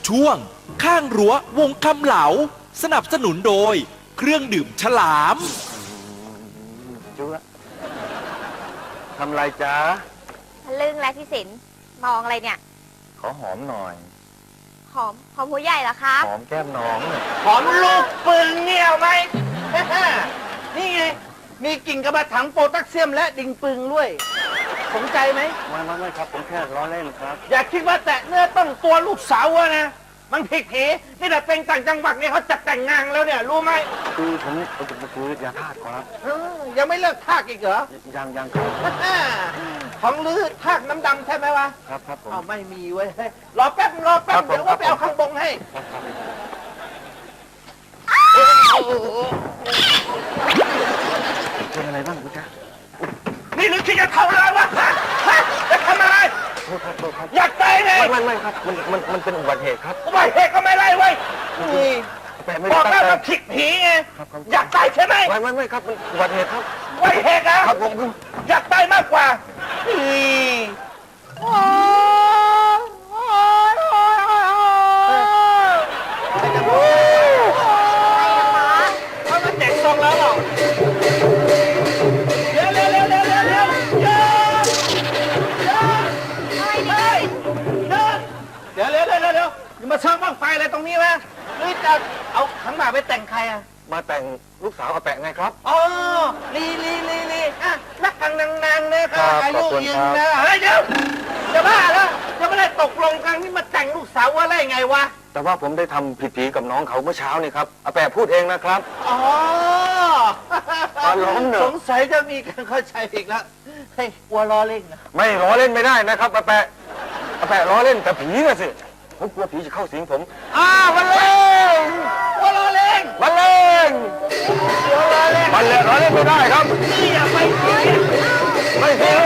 ช่วงข้างรั้ววงคำเหลาสนับสนุนโดยเครื่องดื่มฉลามจุ๊ะทำไรจ๊ะทะลึ่งและพี่สินมองอะไรเนี่ยขอหอมหน่อยหอมหัวใหญ่เหรอคะหอมแก้มน้องหน่อยหอมลูกปืนเนี่ยเอาไหม นี่ไง มีกิ่งกระบะถังโพแทสเซียมและดิ่งปึงด้วย สนใจไหมไม่ครับผมแค่ล้อเล่นครับอย่าคิดว่าแตะเนื้อต้องตัวลูกสาวอะนะ มันผิดผีนี่แต่เป็นต่างจังหวัดเนี่ยเขาจัดแต่งงานแล้วเนี่ย รู้ไหมคือผมคือยาธาตุครับยังไม่เลิกทากอีกเหรอยังครับของลือทากน้ำดำใช่ไหมวะครับผมเอาไม่มีเว้ย รอแป๊บครับผมเดี๋ยวว่าไปเอาข้างบงให้เป็นอะไรบ้างคุณจ๊ะนี่หรือที่จะเท่าไรวะฮะจะทำอะไรโทษครับอยากตายเลยไม่ครับมันเป็นอุบัติเหตุครับอุบัติเหตุก็ไม่ไรเว้ยนี่แต่ไม่บได้อกตั้งแล้วใจมันผิดผีไงครับอยากตายใช่ไหมไม่ครับมันอุบัติเหตุครับอุบัติเหตุนะครับผมอยากตายมากกว่านี่โอ้ยเขามาแจกซองแล้วเหรอเร็วอย่ามาเชิงบ้างไฟอะไรตรงนี้วะหรือจะเอาขังหมากไปแต่งใครอ่ะมาแต่งลูกสาวอาแปะไงครับอ๋อลีอ่ะนักกังนางๆนะครับ อายุขอบคุณยืครันบนะเฮ้ยเดี๋ยวจะบ้าแล้วจะไม่ได้ตกลงกันนี่มาแต่งลูกสาวว่าอะไรไงวะแต่ว่าผมได้ทำผิดผีกับน้องเขาเมื่อเช้านี่ครับอาแปะพูดเองนะครับอ๋อล้อมเนอะสงสัยจะมีการเข้าใจอีกแล้วเฮ้ยกลัวล้อเล่นนะไม่ล้อเล่นไม่ได้นะครับอาแปะล้อเล่นแต่ผีน่ะสิผมกลัวผีจะเข้าสิงผมวันเล่นกลัวล้อเล่นบันเล่งกลัวล้อเล่นบันเล่งล้อเล่นไม่ได้ครับนี่อย่าไปผีไม่ผี